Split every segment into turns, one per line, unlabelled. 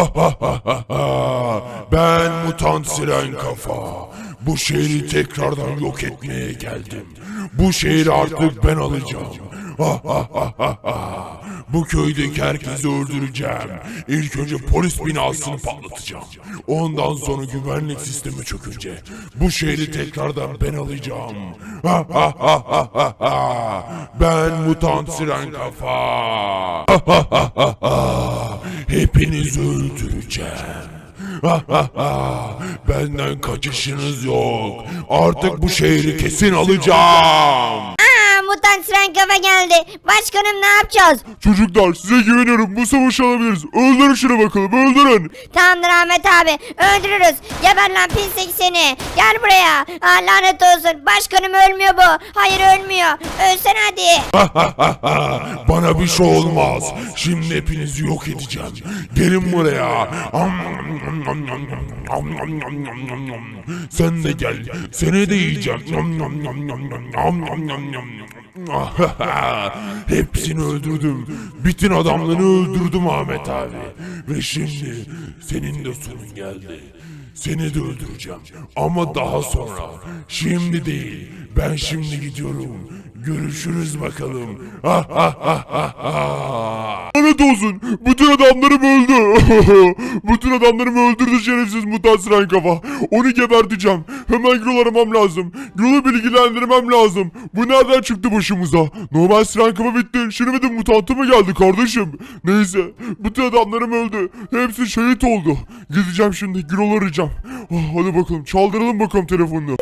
Ben mutant siren kafa. Bu şehri tekrardan yok etmeye geldim. Bu şehri artık ben alacağım. Bu köydeki herkesi öldüreceğim. İlk önce polis binasını patlatacağım. Ondan sonra güvenlik sistemi çökünce bu şehri tekrardan ben alacağım. Ben mutant siren kafa. Hepinizi öldüreceğim. Benden kaçışınız yok. Artık bu şehri kesin alacağım.
Mutant siren kafa geldi. Başkanım ne yapacağız?
Çocuklar size güveniyorum. Bu savaşı alabiliriz. Öldürün şunu bakalım. Öldürün.
Tamamdır Ahmet abi. Öldürürüz. Geber lan pislik seni. Gel buraya. Lanet olsun. Başkanım ölmüyor bu. Hayır ölmüyor. Ölsen hadi.
Bana bir şey olmaz. Şimdi hepinizi yok edeceğim. Gelin buraya. Sen de gel. Seni de yiyeceğim. Hepsini öldürdüm. Bütün adamları öldürdüm Ahmet abi. Ve şimdi senin de sonun geldi. Seni de öldüreceğim. Ama daha sonra. Şimdi değil. Ben şimdi gidiyorum. Görüşürüz bakalım. Lanet olsun. Bütün adamlarım öldü. Bütün adamlarımı öldürdü şerefsiz mutant siren kafa. Onu geberteceğim. Hemen Gürol'u aramam lazım. Gürol'u bilgilendirmem lazım. Bu nereden çıktı başımıza? Normal siren kafa bitti. Şimdi bir de mutantı mı geldi kardeşim? Neyse. Bütün adamlarım öldü. Hepsi şehit oldu. Gideceğim şimdi. Gürol'u arayacağım. Hadi bakalım. Çaldıralım bakalım telefonunu.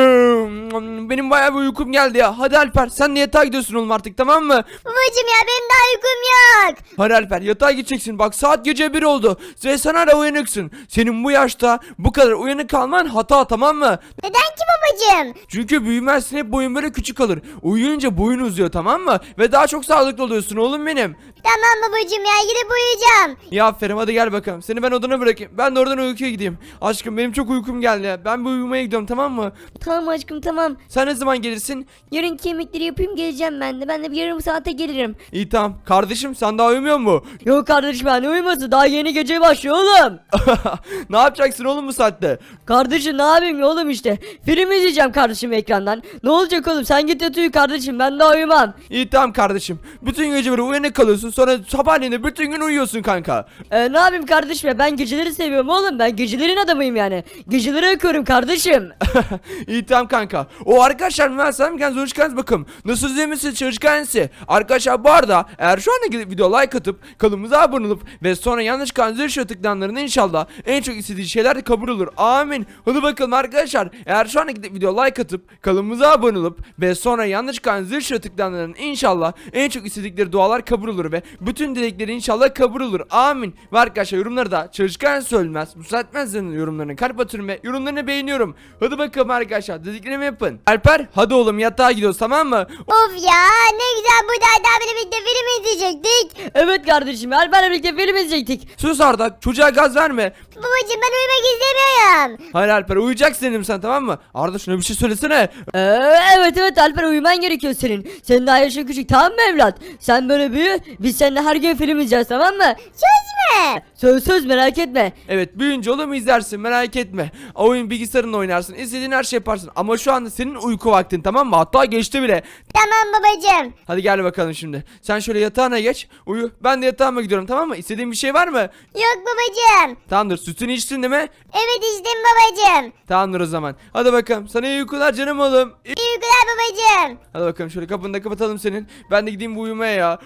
Benim bayağı bir uykum geldi ya. Hadi Alper sen de yatağa gidiyorsun oğlum artık, tamam mı?
Babacım ya benim daha uykum yok.
Hadi Alper yatağa gideceksin. Bak saat gece 1 oldu. Ve sen hala uyanıksın. Senin bu yaşta bu kadar uyanık kalman hata, tamam mı?
Neden ki babacım?
Çünkü büyümezsin, hep boyun böyle küçük kalır. Uyuyunca boyun uzuyor, tamam mı? Ve daha çok sağlıklı oluyorsun oğlum benim.
Tamam babacım ya gidip uyuyacağım.
Ya aferin, hadi gel bakalım. Seni ben odana bırakayım. Ben de oradan uykuya gideyim. Aşkım benim çok uykum geldi ya. Ben bir uyumaya gidiyorum, tamam mı?
Tamam aşkım tamam.
Sen ne zaman gelirsin?
Yarın yemekleri yapayım geleceğim ben de. Ben de bir yarım saate gelirim.
İyi tamam. Kardeşim sen daha uyumuyor mu?
Yok kardeşim ben uyuması daha yeni gece başlıyor oğlum.
Ne yapacaksın oğlum bu saatte?
Kardeşim ne yapayım oğlum işte. Film izleyeceğim kardeşim ekrandan. Ne olacak oğlum sen git yat uyu kardeşim ben daha uyumam.
İyi tamam kardeşim. Bütün gece böyle uyanık kalıyorsun, sonra sabahleyin de bütün gün uyuyorsun kanka.
Ne yapayım kardeşim ya ben geceleri seviyorum oğlum. Ben gecelerin adamıyım yani. Geceleri okuyorum kardeşim.
İyi tamam kanka. O arkadaşlar ben sana bir çalışkanız bakım. Nasıl izlemişsiniz çalışkansı? Arkadaşlar bu arada eğer şu anda gidip video like atıp kanalımıza abone olup ve sonra yanlış kanalımıza şu tıklanlarında inşallah en çok istediği şeyler de kabul olur. Amin. Hadi bakalım arkadaşlar. Eğer şu anda gidip video like atıp kanalımıza abone olup ve sonra yanlış kanalımıza şu tıklanlarında inşallah en çok istedikleri dualar kabul olur ve bütün dilekleri inşallah kabul olur. Amin. Ve arkadaşlar yorumları da çalışkan söylemez. Müsaitmezlerin yorumlarını kalp atıyorum ve yorumlarını beğeniyorum. Hadi bakalım arkadaşlar dediklerimi yapın. Alper hadi oğlum yatağa gidiyoruz, tamam mı?
Of ya ne güzel bu da birlikte film izleyecektik. Evet kardeşim Alper'le birlikte film izleyecektik.
Sus Arda, çocuğa gaz verme.
Babacım ben uyumak istemiyorum.
Hayır Alper uyuyacaksın dedim sen, tamam mı? Arda şuna bir şey söylesene.
Evet Alper uyuman gerekiyor senin. Senin daha yaşın küçük tamam mı evlat? Sen böyle büyü biz seninle her gün film izleyeceğiz tamam mı? Söz mü? Söz merak etme.
Evet büyüyünce oğlum izlersin, merak etme. Oyun bilgisayarınla oynarsın, istediğin her şey yaparsın. Ama şu anda senin uyku vaktin, tamam mı? Hatta geçti bile.
Tamam babacım.
Hadi gel bakalım şimdi. Sen şöyle yatağına geç, uyu. Ben de yatağıma gidiyorum, tamam mı? İstediğin bir şey var mı?
Yok babacım.
Tamamdır, sütünü içtin değil mi?
Evet içtim babacım.
Tamamdır o zaman. Hadi bakalım, sana iyi uykular canım oğlum.
İyi uykular babacım.
Hadi bakalım şöyle kapını da kapatalım senin. Ben de gideyim bu uyumaya ya.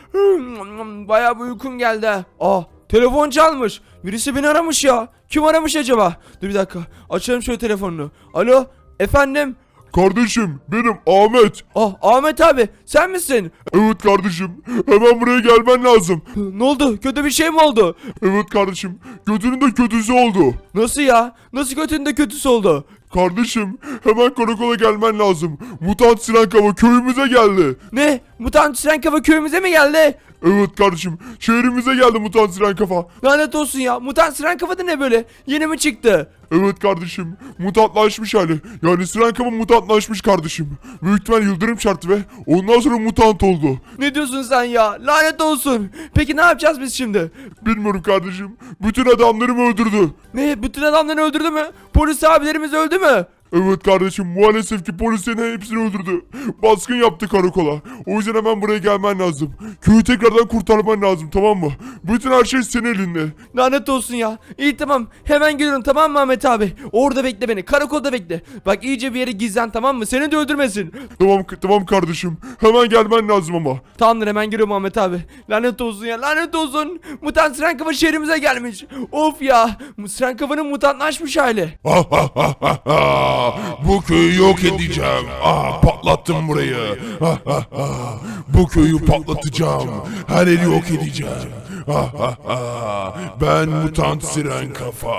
Bayağı bir uykum geldi ha. Ah, telefon çalmış. Birisi beni aramış ya. Kim aramış acaba? Dur bir dakika. Açalım şöyle telefonunu. Alo, efendim?
Kardeşim benim Ahmet.
Ah, Ahmet abi sen misin?
Evet kardeşim. Hemen buraya gelmen lazım.
Ne oldu? Kötü bir şey mi oldu?
Evet kardeşim. Kötünün de kötüsü oldu.
Nasıl ya? Nasıl kötünün de kötüsü oldu?
Kardeşim Hemen karakola gelmen lazım. Mutant Siren Kafa köyümüze geldi.
Ne? Mutant Siren Kafa köyümüze mi geldi?
Evet kardeşim, şehrimize geldi Mutant Siren Kafa.
Lanet olsun ya. Mutant Siren Kafa da ne böyle? Yeni mi çıktı?
Evet kardeşim, mutantlaşmış hali. Yani Siren Kafa mutantlaşmış kardeşim. Büyük ihtimal yıldırım çarptı ve ondan sonra mutant oldu.
Ne diyorsun sen ya? Lanet olsun. Peki ne yapacağız biz şimdi?
Bilmiyorum kardeşim. Bütün adamlarımı öldürdü.
Ne? Bütün adamları öldürdü mü? Polis abilerimiz öldü mü?
Evet kardeşim, maalesef ki polislerin hepsini öldürdü. Baskın yaptı karakola. O yüzden hemen buraya gelmen lazım. Köyü tekrardan kurtarman lazım, tamam mı? Bütün her şey senin elinde.
Lanet olsun ya. İyi tamam. Hemen geliyorum tamam mı Ahmet abi? Orada bekle beni. Karakolda bekle. Bak iyice bir yere gizlen tamam mı? Seni de öldürmesin.
Tamam kardeşim. Hemen gelmen lazım ama.
Tamamdır hemen geliyorum Ahmet abi. Lanet olsun ya lanet olsun. Mutant Siren Kafa şehrimize gelmiş. Of ya. Siren Kafa'nın mutantlaşmış hali.
Bu köyü yok edeceğim. Patlattım burayı. Bu köyü patlatacağım. Her yeri yok edeceğim. Ben Mutant Siren Kafa.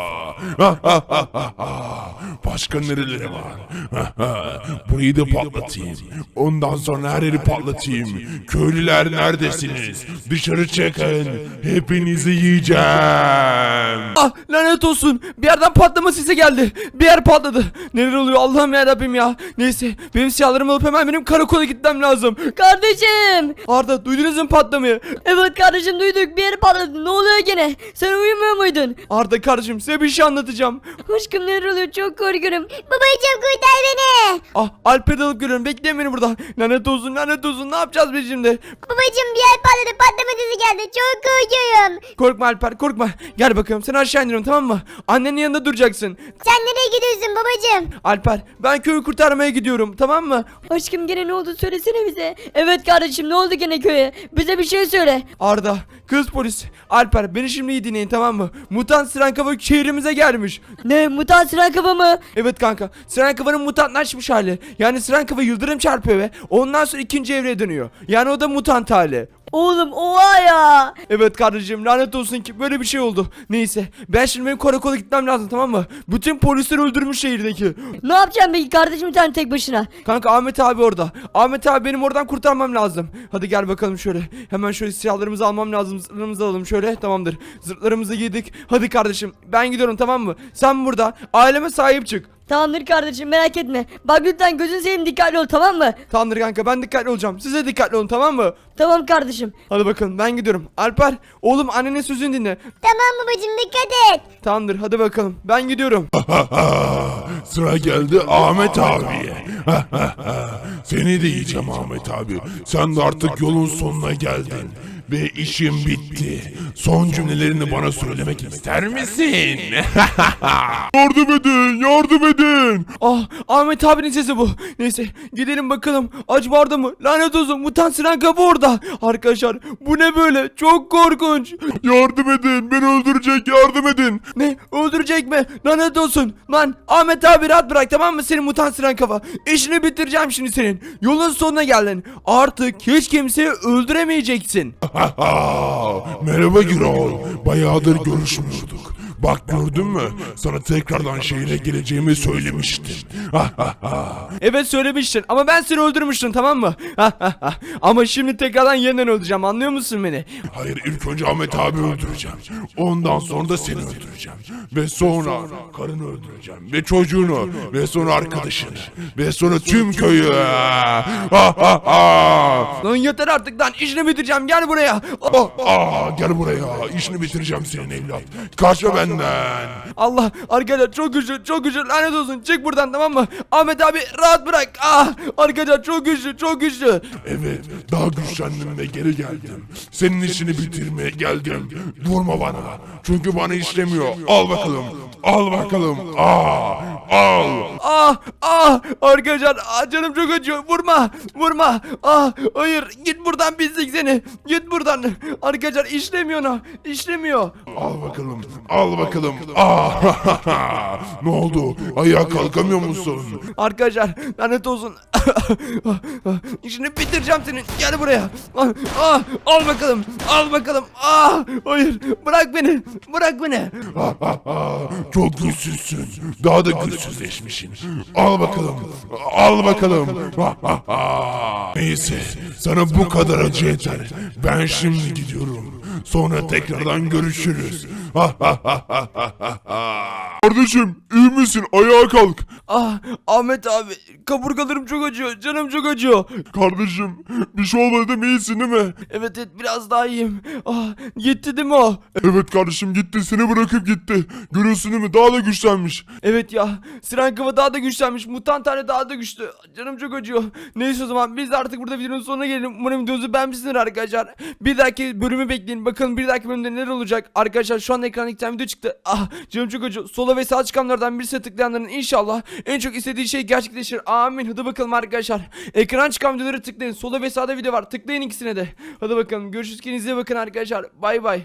Başka nereleri var? Burayı da patlatayım. Ondan sonra her yeri patlatayım. Köylüler neredesiniz? Dışarı çıkın. Hepinizi yiyeceğim.
Ah lanet olsun. Bir yerden patlama sesi geldi. Bir yer patladı. Neler oluyor Allah'ım yarabbim ya. Neyse benim silahlarımı alıp hemen benim karakola gitmem lazım.
Kardeşim.
Arda duydunuz mu patlamayı?
Evet kardeşim duyduk, bir yeri patladı. Ne oluyor gene? Sen uyumuyor muydun?
Arda kardeşim size bir şey anlatacağım.
Aşkım neler oluyor, çok korkuyorum.
Babacım kurtar beni.
Ah Alper'i de alıp geliyorum bekleyin beni burada. Lanet olsun ne yapacağız biz şimdi?
Babacım bir yer patladı, patlama sesi geldi. Çok korkuyorum.
Korkma Alper korkma. Gel bakalım seni aşağı indiriyorum tamam mı? Annenin yanında duracaksın.
Sen nereye gidiyorsun babacım?
Alper ben köyü kurtarmaya gidiyorum tamam mı?
Aşkım gene ne oldu, söylesene bize. Evet kardeşim, ne oldu gene köye? Bize bir şey söyle.
Arda kız polis Alper beni şimdi iyi dinleyin tamam mı? Mutant Siren Kafa şehrimize gelmiş.
Ne, mutant Siren Kafa mı?
Evet kanka Siren Kafa'nın mutantlaşmış hali. Yani Siren Kafa yıldırım çarpıyor ve ondan sonra ikinci evreye dönüyor. Yani o da mutant hali.
Oğlum oha ya.
Evet kardeşim lanet olsun ki böyle bir şey oldu. Neyse ben şimdi benim karakola gitmem lazım tamam mı? Bütün polisleri öldürmüş şehirdeki.
Ne yapacağım peki kardeşim sen tek başına?
Kanka Ahmet abi orada. Ahmet abi benim oradan kurtarmam lazım. Hadi gel bakalım şöyle. Hemen şöyle silahlarımızı almam lazım. Zırhlarımızı alalım şöyle. Tamamdır. Zırhlarımızı giydik. Hadi kardeşim ben gidiyorum tamam mı? Sen burada aileme sahip çık.
Tamamdır kardeşim, merak etme. Bak lütfen gözün seveyim, dikkatli ol, tamam mı?
Tamamdır kanka ben dikkatli olacağım. Siz de dikkatli olun tamam mı?
Tamam kardeşim.
Hadi bakalım ben gidiyorum. Alper oğlum annenin sözünü dinle.
Tamam babacım, dikkat et.
Tamamdır hadi bakalım ben gidiyorum.
Sıra geldi Ahmet abiye. Seni de yiyeceğim Ahmet abi. Sen de artık yolun sonuna geldin. Ve işim bitti. Son cümlelerini bana söylemek ister misin? Yardım edin, yardım edin.
Ah Ahmet abinin sesi bu. Neyse gidelim bakalım. Acaba orada mı? Lanet olsun mutant Siren Kafa orada. Arkadaşlar bu ne böyle? Çok korkunç.
Yardım edin, beni öldürecek, yardım edin.
Ne? Öldürecek mi? Lanet olsun. Lan Ahmet abi rahat bırak tamam mı senin mutant Siren Kafa? İşini bitireceğim şimdi senin. Yolun sonuna geldin. Artık hiç kimseyi öldüremeyeceksin.
Merhaba Gürol. Bayağıdır görüşmüyorduk. Bak gördün mü? Sana tekrardan şehre geleceğimi söylemiştim.
Evet söylemiştin ama ben seni öldürmüştüm tamam mı? Ama şimdi tekrardan yeniden öldüreceğim anlıyor musun beni?
Hayır, ilk önce Ahmet abi öldüreceğim. Ondan sonra da seni öldüreceğim. Ve sonra karını öldüreceğim. Ve çocuğunu. Ve sonra arkadaşını. Ve sonra tüm köyü.
Lan yeter artık lan işini bitireceğim gel buraya.
Gel buraya. İşini bitireceğim senin evlat. Kaçma benden.
Allah arkadaşlar çok güçlü lanet olsun çık buradan tamam mı? Ahmet abi rahat bırak. Arkadaşlar çok güçlü.
Evet, daha güçlendim ve geri geldim. Senin işini bitirmeye geldim. Vurma bana. Çünkü bana işlemiyor. Al bakalım. Al bakalım. Al.
Arkadaşlar canım çok acıyor vurma. Hayır git buradan pislik seni. Git buradan. Arkadaşlar işlemiyor.
Al bakalım. Al bakalım. Ne oldu? Ayağa kalkamıyor musun?
Arkadaşlar lanet olsun. İşini bitireceğim senin. Gel buraya. Al bakalım. Al bakalım. Hayır. Bırak beni. Bırak beni.
Çok güçsüzsün. Daha da güçsüzleşmişsin. Al bakalım. Al bakalım. Neyse, sana bu kadar acı yeter. Ben şimdi gidiyorum. Sonra tekrardan görüşürüz. Kardeşim, iyi misin? Ayağa kalk.
Ahmet abi. Kaburgalarım çok acıyor. Canım çok acıyor.
Kardeşim, bir şey olmadı değil mi? İyisin değil mi?
Evet biraz daha iyiyim. Gitti değil mi o?
Evet kardeşim, gitti. Seni bırakıp gitti. Görüyorsun değil mi? Daha da güçlenmiş.
Evet ya. Siren Kafa daha da güçlenmiş. Mutant hali daha da güçlü. Canım çok acıyor. Neyse o zaman biz de artık burada videonun sonuna gelelim. Umarım videomuzu beğenmişsinizdir arkadaşlar. Bir dahaki bölümü bekleyin. Bakalım bir dahaki bölümde neler olacak. Arkadaşlar şu anda ekranda 2 tane video çıktı. Canım çok acıyor. Sola ve sağ çıkanlardan birisi tıklayanların inşallah en çok istediği şey gerçekleşir. Amin. Hadi bakalım arkadaşlar. Ekran çıkan videoları tıklayın. Sola ve sağda video var. Tıklayın ikisine de. Hadi bakalım. Görüşürüz. Kendinize iyi bakın arkadaşlar. Bay bay.